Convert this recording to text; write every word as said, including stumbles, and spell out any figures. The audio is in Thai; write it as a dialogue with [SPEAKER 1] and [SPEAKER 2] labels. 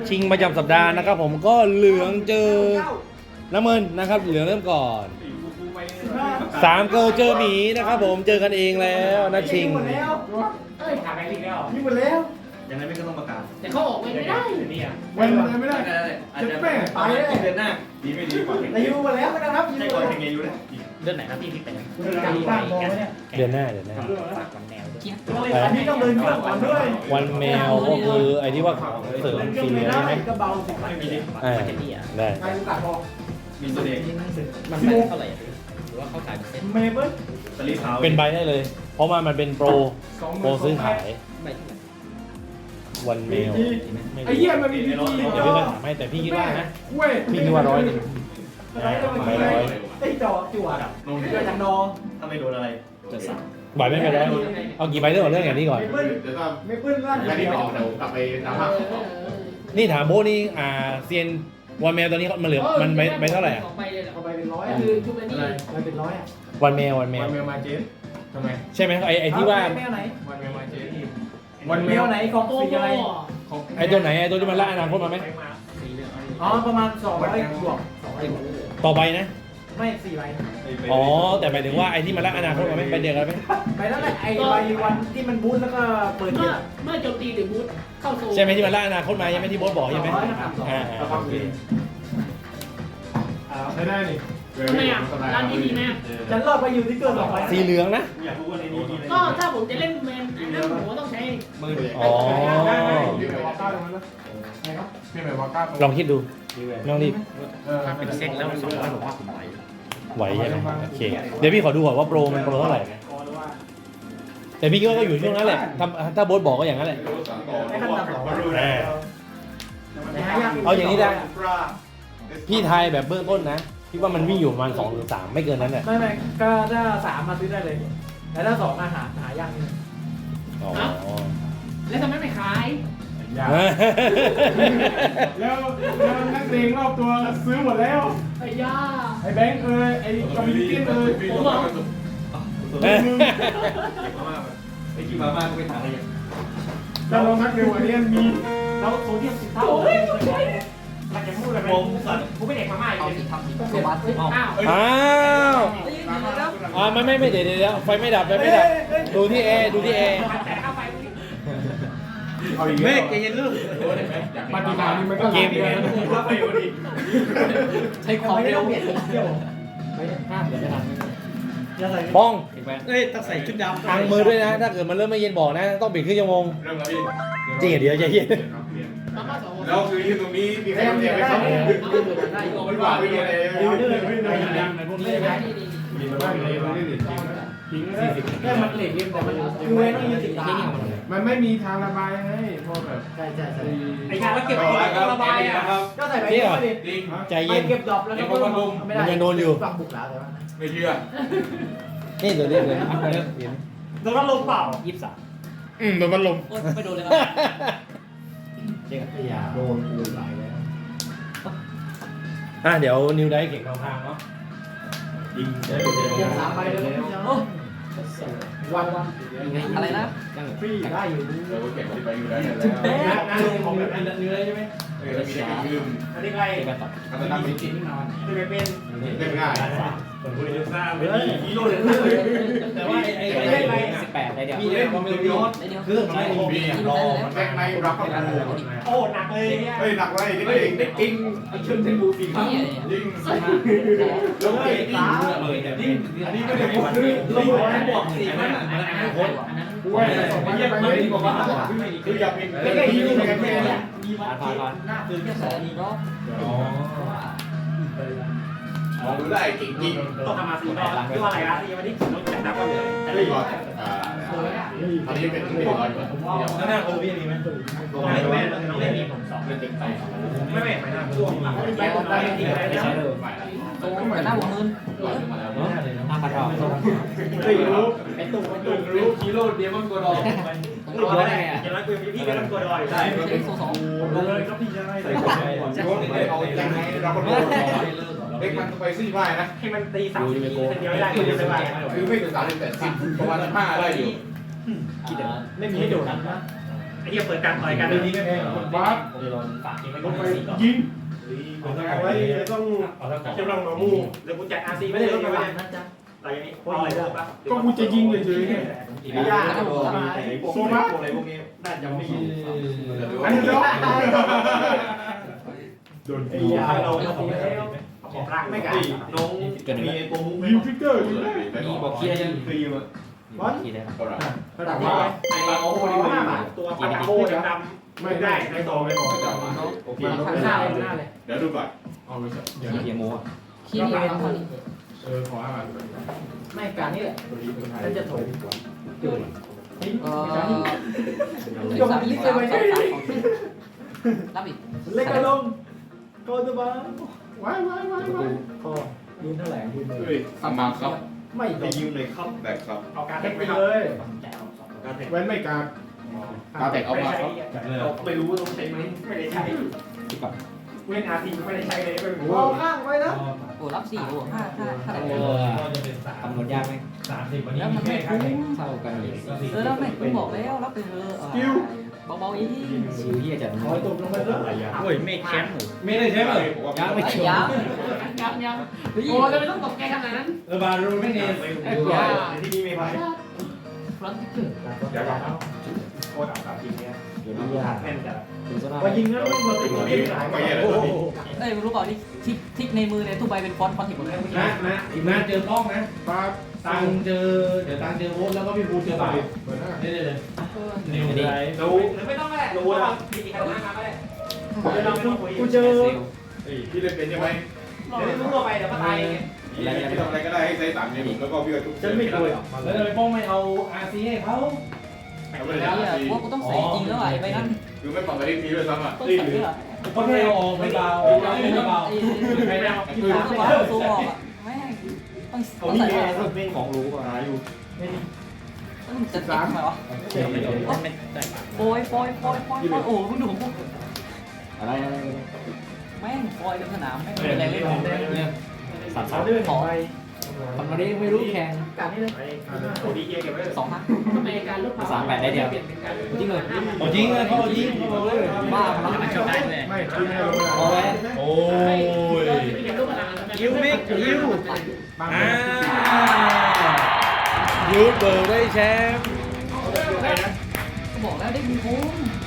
[SPEAKER 1] ชิงประจำสัปดาห์นะครับผมก็เหลืองเจอน้ำเงินนะครับเหลืองเริ่มก่อนสามเกิร์ลเจอหมีนะครับผมเจอกันเองแล้วนัดชิง
[SPEAKER 2] หมดแล้ว
[SPEAKER 3] เอ้ยถามแบงค์อีกแล้ว
[SPEAKER 2] นี่หมดแล้ว
[SPEAKER 4] ยังไงไม่ก็ต้องประกาศ
[SPEAKER 3] แต่เขาออกไปไม่ได้
[SPEAKER 4] นี่อ่ะ
[SPEAKER 2] วันเลยไม่ได้
[SPEAKER 4] อาจจะไปเดือนหน้าดีไม่ดีกว่า
[SPEAKER 2] แต่ยูหมดแล้วไม่ต้องนับยู
[SPEAKER 4] ใช่ก่อนยังไงอยู่นะ
[SPEAKER 3] เดือนไหนครับพี่ที่เป็น
[SPEAKER 1] เดือนหน้าเดือนหน้า
[SPEAKER 3] ฝากวันแนวด้วย
[SPEAKER 2] อันนี้ต้องเดินเครื่องก่อนด้วย
[SPEAKER 1] วันแมวก็คือไอ้ที่ว่าเสริม
[SPEAKER 2] เดินเครื่
[SPEAKER 1] สี
[SPEAKER 2] อง
[SPEAKER 1] เหลื
[SPEAKER 2] ไม่
[SPEAKER 1] อง
[SPEAKER 2] ได้
[SPEAKER 1] ใช่ไหม
[SPEAKER 2] ก็เบาสิ
[SPEAKER 4] ไม่มีดิ
[SPEAKER 1] อ่า
[SPEAKER 3] มันจะดีอ่ะ
[SPEAKER 1] ได้
[SPEAKER 2] ใครรู้จักพอ
[SPEAKER 4] มีตัวเด็ก
[SPEAKER 3] มันไม่เท่าไหร่หรือว่าเขาขายเป็นเซ็ต
[SPEAKER 2] เมเบิ้ล
[SPEAKER 4] สลิปเท้า
[SPEAKER 1] เป็นใบได้เลย เพราะว่ามันเป็นโปรโปรซื้อขาย
[SPEAKER 3] ไม่เท่าไหร่
[SPEAKER 1] วันแมวไม่
[SPEAKER 2] ไอ้เหี้ยมันมีพีจี
[SPEAKER 1] เดี๋ยวพี่ก็ถามให้แต่พี่คิดว่านะ
[SPEAKER 2] เว้ย
[SPEAKER 1] พี่คิดว่าร้อยหนึ่ง
[SPEAKER 2] อะไรก็มัน
[SPEAKER 1] ใบ
[SPEAKER 2] ไม่
[SPEAKER 1] ร้
[SPEAKER 2] ได้
[SPEAKER 1] อย
[SPEAKER 2] ไอ้จอจั่ว
[SPEAKER 4] ลง
[SPEAKER 2] เกิดจากนอ
[SPEAKER 4] ถ้าไม่โดนอะไร
[SPEAKER 3] จะสั่ง
[SPEAKER 1] ใบไม่เป็นไรเอากี่ใบเรื่องของเรื่องอย่างนี้ก่อน
[SPEAKER 2] เมเบิ้ล
[SPEAKER 5] เดี๋ยวก็
[SPEAKER 2] เมเบิ้ลล่าง
[SPEAKER 5] แค่นี้ไม่ออกเดี๋ยวกลับไปน้ำผัก
[SPEAKER 1] นี่ถามโบนี่อ่าเซียนวันแมวตอนนี้มันเหลือมันใบใบเท่าไหร่อ่ะ
[SPEAKER 3] ไปเลย
[SPEAKER 2] เอาไปเป็นร้อย
[SPEAKER 3] คือชุดนี้
[SPEAKER 2] ไปเป็นร้อยอ่ะ
[SPEAKER 1] วันแมววันแม
[SPEAKER 5] วั
[SPEAKER 1] วน
[SPEAKER 5] เมลมาเจนทำไม
[SPEAKER 1] ใช่ไหมไอไอที่ว่า
[SPEAKER 2] แมวไหน
[SPEAKER 5] วันเมลมาเจน
[SPEAKER 2] วันเมลไหนของ
[SPEAKER 3] โต
[SPEAKER 2] สี
[SPEAKER 3] โต
[SPEAKER 2] อะไร
[SPEAKER 1] ไอตัวไหนไอตัวที่มันละอนาคตมาไหม
[SPEAKER 2] อ๋อประมาณสองร้อยบวก
[SPEAKER 1] ต่อไปนะ
[SPEAKER 2] ไม่สี่ใบ
[SPEAKER 1] อ๋อแต่หมายถึงว่าไอที่มันละอนาคตมาไหมไปเดียวกันไหม
[SPEAKER 2] ไปแล้วแหละไอ้ใบวันที่มันบูทแล้วก็เปิด
[SPEAKER 3] เมื่
[SPEAKER 2] เก
[SPEAKER 3] อ
[SPEAKER 2] ม
[SPEAKER 3] เมื่อโจมตีหรือบูทเข้าโซ่
[SPEAKER 1] ใช่ไหมที่มันละอนาคตมายังไม่ที่โบสบอกใช่ไหมอ่า
[SPEAKER 5] ก็ฟังดีใช้ได้นี่
[SPEAKER 3] ทำไมอ่ะร้านนี้ดีไหม
[SPEAKER 2] ฉันรอดไปอยู่ที่เกินสองใบ
[SPEAKER 1] สีเหลืองนะ
[SPEAKER 4] อยากรู้ว่าในนี้มีอะไร
[SPEAKER 3] ก็ถ้าผมจะเล่นแมนนั่นผมก็ต้องใช้
[SPEAKER 4] มือ
[SPEAKER 1] อ๋อ
[SPEAKER 5] พี่ไปวาก้าตรงนั้นนะพี่ไปวาก้าตรง
[SPEAKER 1] ลองคิดดูไม่ต้องรีบ
[SPEAKER 3] ถ้าเป็นเซ็ตแล้วสองร้อยผมว่าผมไหว
[SPEAKER 1] ไหวใช่ไหมโอเคเดี๋ยวพี่ขอดูก่อนว่าโปรมันโปรเท่าไหร่แต่พี่คิดว่าก็อยู่ช่วงนั้นแหละถ้าถ้าโบสบอกก็อย่างนั้นแหละ
[SPEAKER 2] ให้ขั้นต่ำสอง
[SPEAKER 1] อ่า
[SPEAKER 2] แต่หายาก
[SPEAKER 1] เอาอย่างนี้ได้ พี่ทายแบบเบื้องต้นนะพี่ว่ามันวิ่งอยู่ประมาณสองหรือสามไม่เกินนั้นแหละ
[SPEAKER 2] ไม่ไม่ก็ถ้าสามมาซื้อได้เลยแต่ถ้าสองอาหารหายากนิดนึง
[SPEAKER 1] อ๋อ
[SPEAKER 3] แล้วทำไมไม่ขาย
[SPEAKER 5] แล้วแล้วนักเลงรอบตัวซื้อหมดแล้ว
[SPEAKER 3] ไอ้ย่า
[SPEAKER 5] ไอ้แบงค์เอ้ยไอ้คอมมิวนิตี้เอ้ย
[SPEAKER 3] ผมบอก
[SPEAKER 1] เอ้ย
[SPEAKER 4] ไอ้กินมาม่าก็ไปทานอะไรอย่าง
[SPEAKER 5] แล้วลองนักเร็วอันนี้มี
[SPEAKER 2] แล้วโซเดียมสิบเท่ามันจะพูดอะไร
[SPEAKER 4] ผมสั่น
[SPEAKER 2] กูไม่เด็กมาม่าอีก
[SPEAKER 3] เอา
[SPEAKER 2] เลย
[SPEAKER 3] สิทำสิตัวบัตอ้าว
[SPEAKER 1] อ้าวอ่าไม่ไม่ไม่เดี๋ยวเดี๋ยวไฟไม่ดับไฟไม่ดับดูที่เอดูที่เอ
[SPEAKER 3] แต่เข้าไป
[SPEAKER 5] เอาอีก
[SPEAKER 4] เม
[SPEAKER 5] แล้ว
[SPEAKER 4] ฆใจเย็นลูก
[SPEAKER 5] ปฏิบัตินี่มันก็
[SPEAKER 1] เกม
[SPEAKER 5] เกม
[SPEAKER 4] ไปวันนี้
[SPEAKER 3] ใช้ความเร็ว
[SPEAKER 2] เปลี่ยนเที่ยวไม่ห้ามเดี๋ยวไม่ทันจะใส่
[SPEAKER 1] ป้อง
[SPEAKER 4] เอ้ยต้องใส่ชุดดำ
[SPEAKER 1] ทางมือด้วยนะ ถ้าเกิดมันเริ่มไม่เย็นบอกนะ ต้องปิดครึ่งชั่วโมง
[SPEAKER 5] เริ่มแล้วพี่
[SPEAKER 1] จริงเหรอเดี๋ยวใจเย็น
[SPEAKER 3] มาม่าสอง
[SPEAKER 5] แล้วคือที่ตรงนี้มีใครเตรียมไหมครับไม่ว่าไม่ว่าเลย
[SPEAKER 2] ดิวเดอร์ไม่ได้
[SPEAKER 3] ไม่ได้ดีดี
[SPEAKER 5] มีมาบ้างเลยมันไม่ได้ทิ้งสี่สิบ
[SPEAKER 2] แค่มันเหล็กเล่มแต่มันคือเว้นต้องยืนติดตา
[SPEAKER 5] มันไม่มีทางระบายไงพอแบบ
[SPEAKER 2] ใช่ใช่ใช่
[SPEAKER 4] ไอ้งานว่าเก็บของระบายอ่ะ
[SPEAKER 2] ก็ใส่ไปเที่ยวดิ
[SPEAKER 5] จริง
[SPEAKER 1] ใจ
[SPEAKER 2] ไป
[SPEAKER 1] เย็น
[SPEAKER 2] เก็บดอกแล้วก็ไม่ได้ฟังบุกแล้วแต่ว่า
[SPEAKER 5] ไม่เชื่อ
[SPEAKER 1] นี่เดี๋ยวเดี๋ยวเดี๋ยวเดี๋ยวเดี๋ยว
[SPEAKER 2] โดนพัดลมเปล่า
[SPEAKER 3] ยี่สิบสาม
[SPEAKER 1] อืมโดนมันลม
[SPEAKER 3] ไม่โดนเลยครับ
[SPEAKER 2] เจ๊กับยาโดนปูนไหลแล้ว
[SPEAKER 1] อ่ะเดี๋ยวนิวได้เก่งทางทางเนาะ
[SPEAKER 4] ยิงได้
[SPEAKER 2] ยังสามใบเลยวันวัน
[SPEAKER 3] อะไรนะ
[SPEAKER 2] ฟรีได้อยู่
[SPEAKER 5] เดี๋ยวเก็บไปอยู่ได้แล้ว
[SPEAKER 2] งานของแบบนี้เนื้อใช่ไหม
[SPEAKER 5] เออมีแต่ยืม
[SPEAKER 2] อันนี้ใคร
[SPEAKER 3] เป็นต่อ
[SPEAKER 5] ก็จะนั่งไม่กิน
[SPEAKER 2] จะไปเป็น
[SPEAKER 5] เล่นง่าย
[SPEAKER 4] ผมคุยเรื่องซ่าไม่ดีฮีโร่
[SPEAKER 1] แต่ว่าไอ้ไอ้
[SPEAKER 3] ไม่
[SPEAKER 1] ไอ้
[SPEAKER 3] ได้สิบแปดได้เดียว
[SPEAKER 1] พี่เล่นความเร็วเยอะ
[SPEAKER 3] ได้เดียว
[SPEAKER 1] เครื่องมันไม่มีอ่ะรอ
[SPEAKER 5] แม็กไนรับประกัน
[SPEAKER 2] โอ้หนักเลยเนี่ย
[SPEAKER 5] เฮ้ยหนักเลยนี่เองได้จริง
[SPEAKER 4] ชนเทนบูฟีครับ
[SPEAKER 3] นี่
[SPEAKER 5] ยิง
[SPEAKER 2] ลงเลยสาม
[SPEAKER 4] เลยนี่
[SPEAKER 5] อันนี้ไม่ได้พูด
[SPEAKER 2] ลงหัวบวกสี่มัน
[SPEAKER 3] อันนั้นอันนั้น
[SPEAKER 5] กูว่าสองพันไปไม่ดีกว่าคืออย่าเป็น
[SPEAKER 2] ไม่ได้ยิงกันแค่เนี่ย
[SPEAKER 3] ผ่านผ่านผ่านหน้าคือแค่สองรอบ
[SPEAKER 1] อ๋อ
[SPEAKER 5] มองดูได้จริงจริง
[SPEAKER 2] ต้องทำมาสี่รอบที่ว่าอะไรนะที่วันนี้รถจัดนับกันเลย
[SPEAKER 5] จะได้ก่อนอ่าตอนนี้เป็นที่ร้อยกว่า
[SPEAKER 1] แล้วหน้าโคพี่มีไหม
[SPEAKER 2] ไม่ไม่ไม่มีผมสองเป็นติ๊กไปไม่ไม่ไม่น่าช่วงหลังไปตอนได้ดีอะไรนะ
[SPEAKER 3] โตแต่หน้าผมมึนหน้าพัดเรา
[SPEAKER 2] ไม่รู้ไอ้ตู่ไอ้ตู่รู้
[SPEAKER 4] ฮีโร่เดมอนโกดอ
[SPEAKER 3] ตัวร้อนไงอ่ะ
[SPEAKER 2] อย่างไรกูพี่ก็ทำตัวดอยได้
[SPEAKER 3] ใช่โซสอง
[SPEAKER 2] เลยก็พี่ได้
[SPEAKER 5] ใส่ก่อนโยนเอายังไงเราก็โดนเด็กมันไปซี่ไพ่นะ
[SPEAKER 2] ให้มันตีสามทีเดียวได้ก็จะไป
[SPEAKER 5] คือไม่ถึงสามสิบแต่สิบประมาณห้าได้อยู่
[SPEAKER 3] คิดเดี๋ยว
[SPEAKER 2] ไม่มีให้โดดนะ
[SPEAKER 1] อ
[SPEAKER 2] ไอ้เหี้ยเปิดการต่อยกัน
[SPEAKER 4] เรื่องนี้ไม่แพงหรอกบ้า
[SPEAKER 2] เลยลองฝากทีไม่
[SPEAKER 4] ล
[SPEAKER 2] ต้อง
[SPEAKER 4] งไป
[SPEAKER 2] ซีก่อน
[SPEAKER 4] ยิง
[SPEAKER 6] เอาไว้ต้อง
[SPEAKER 2] เอาแล้วก่อน
[SPEAKER 6] เจ้าลังหนอมู
[SPEAKER 2] เดี๋ยวกูจัดอาร์ซี
[SPEAKER 6] ไม่
[SPEAKER 2] ไม่
[SPEAKER 6] ได้
[SPEAKER 2] ได้
[SPEAKER 6] ร
[SPEAKER 2] ร
[SPEAKER 6] ถ
[SPEAKER 2] ถ
[SPEAKER 6] ก
[SPEAKER 2] ก
[SPEAKER 6] ระ
[SPEAKER 2] ระ
[SPEAKER 6] บะ
[SPEAKER 2] บะ
[SPEAKER 6] นะจ๊ะ
[SPEAKER 2] อะไรอย่างนี้
[SPEAKER 6] พออะไรจ้ะ
[SPEAKER 4] ก็กูจะยิงเลยเฉยเนี่ย
[SPEAKER 6] ไม่ยากนะผม
[SPEAKER 5] โซมาอะไรพวกนี้น่าจะไม่มี
[SPEAKER 4] อันนี้เนาะ
[SPEAKER 6] โดน
[SPEAKER 2] ไอ้
[SPEAKER 6] ตี
[SPEAKER 2] ยาเราเราผมแล้วผมร่างไม่กัน
[SPEAKER 5] น้องมีตัวมุ้ง
[SPEAKER 4] ยิงฟิกเกอร์อยู่เลย
[SPEAKER 5] มีบอกเคลียร์ยังฟรีมา
[SPEAKER 3] บอลกี่ได้ครับ
[SPEAKER 5] ก็ได้
[SPEAKER 6] ระดับว่า
[SPEAKER 2] ไอ้ปลาโอ้ดีมากตัวปลาโอ้ดำ
[SPEAKER 6] ไม่ได้ในต่อไม่บอก
[SPEAKER 5] จะมาโอเค
[SPEAKER 3] ทางหน้าเลยหน้าเลย
[SPEAKER 5] เดี๋ยวดูก่อน
[SPEAKER 4] เอาไปเดี๋ยว
[SPEAKER 3] ขี้เกียโมขี้นี่เป็นคน
[SPEAKER 4] เออขออ่าน
[SPEAKER 3] ไม่การนี่แหละ
[SPEAKER 6] ถ้าจะถอย
[SPEAKER 3] เออสามสามสามสามรับอีก
[SPEAKER 6] เล็กกระลงโคตรบ้า
[SPEAKER 4] ว้ายว้ายว้ายว้าย
[SPEAKER 6] พอยืนเท่าไหร่ยืนเลย
[SPEAKER 5] เฮ้ยสมาครับ
[SPEAKER 6] ไม่
[SPEAKER 5] ไปยืมเลยครับแบบครับ
[SPEAKER 2] เอาการ
[SPEAKER 6] เล็
[SPEAKER 2] เท
[SPEAKER 6] ก
[SPEAKER 2] ค
[SPEAKER 6] ไป
[SPEAKER 2] ไป
[SPEAKER 6] เล
[SPEAKER 2] เลย
[SPEAKER 6] ย
[SPEAKER 4] แว้นไม่การ
[SPEAKER 5] กาแตกเอามาครับ
[SPEAKER 2] ไม่รู้ว่าต้องใช้ไหมไม่ได้ใช้เว้นอาร์ทีไม่ได้ใช้เลยไม่รู้
[SPEAKER 6] รอข้างไว้นะ
[SPEAKER 3] โอ้รับสี่โอ้ห้าห้าห้า
[SPEAKER 1] โอ้
[SPEAKER 3] คำนวณยากไหม
[SPEAKER 4] สามสิบวันนี้
[SPEAKER 3] แล้วมันไม่คุ้มเท่ากันเลยเออแล้วไม่คุ้มบอกแล้วรับไปเถอะเบาๆอีกชิวที่จะ
[SPEAKER 6] ถอยตกลงไปแล้ว
[SPEAKER 2] โอ้ยไม่แคมป์
[SPEAKER 1] ไม่ได้ใช่ไหม
[SPEAKER 3] ยังไม่เขียวยังยังโอ้จะไม่ต้องตกใจขนาดนั้น
[SPEAKER 1] เออบารูไม่เนส
[SPEAKER 2] ที่นี่ไม่ไป
[SPEAKER 3] ฟรอนต์เกอร์
[SPEAKER 2] เดี๋ยวก่อนโคตรอับจริงเนี่ย
[SPEAKER 3] เดี๋ยวนี้ยาก
[SPEAKER 2] แน่นจัด
[SPEAKER 3] ถึงจะ
[SPEAKER 6] พอยิงแล้วมันติดติดหายไป
[SPEAKER 3] เอ้ยรู้เปล่านี่ทิกทิกในมือเนี่ยทุกใบเป็นฟอนต์ฟอนต์ถิบหมดเลย
[SPEAKER 1] นะนะอีกนะเจอกล้องนะ
[SPEAKER 4] ปา
[SPEAKER 1] ตังเจอเดี๋ยวตังเจอโบ๊ทแล้วก็พี่ภูเจอบ่าว
[SPEAKER 4] เปิดหน้า
[SPEAKER 1] นี่เลยเลย
[SPEAKER 3] นิวดี
[SPEAKER 2] รู้หรือไม่ต้องแหละรู้แล้วมีใครมาก็ได้เดี๋ยวเราไม่ต้องคุย
[SPEAKER 6] กูเจอ
[SPEAKER 5] พี่เล่นเป็นใช่ไหม
[SPEAKER 2] เดี๋ยวรู้ตัวไปเดี๋ยวมาตายไง
[SPEAKER 5] พี่ทำอะไรก็ได้ให้ใช้สามเนี่ยแล้วก็พี่ก็ทุก
[SPEAKER 6] ฉันไม่คุย
[SPEAKER 1] แล้วทำไมป้องไม่เอาอาร์ซีให้เขา
[SPEAKER 3] แล้วว่ากูต้องใส่จริงแล้วไอ้ใบนั้น
[SPEAKER 5] คือไม่ปรับไปที่ทีด้วยซ้ำอ่ะ
[SPEAKER 3] ต้องใส่ด้วย
[SPEAKER 1] ก็แค่เอาออกไม่เบาไม่เบาใครไม่เอา
[SPEAKER 3] ที่ถามว่าตัวออกอ่ะแม่ต้องต้องใส่อะไร
[SPEAKER 6] เป็นของรู้อ่ะอยู่
[SPEAKER 3] ต้องจัดการทำไมวะโปรยโปรยโปรยโปรยโอ้มึงดูผมพูดอะไรอะไรแม่งโปรยกันสนามแม่งเป็นแรงเล่นของเนี่ยสามสาม
[SPEAKER 6] เรื่อง
[SPEAKER 3] ขอ
[SPEAKER 6] ไป
[SPEAKER 3] ทำมาได้ไม่รู้แข่ง
[SPEAKER 6] การนี้เลย
[SPEAKER 2] โอ้ดีเกียร์เก็บไว้
[SPEAKER 3] สองพันสามแปดได้เดียวจริงเลย
[SPEAKER 1] เอาจริงเลยเขาเอาจริงเขาบอกเลย
[SPEAKER 3] บ้าพลัง
[SPEAKER 2] ไม่ชอบได้เลย
[SPEAKER 4] ไม่คือไม่เอาเวลา
[SPEAKER 3] โอ้ย
[SPEAKER 1] โอ้ย
[SPEAKER 2] ยิวมิกยิว
[SPEAKER 1] อ่ายูเบิร์ได้แชมป์
[SPEAKER 3] ก็บอกแล้วได้บุญคุ้ม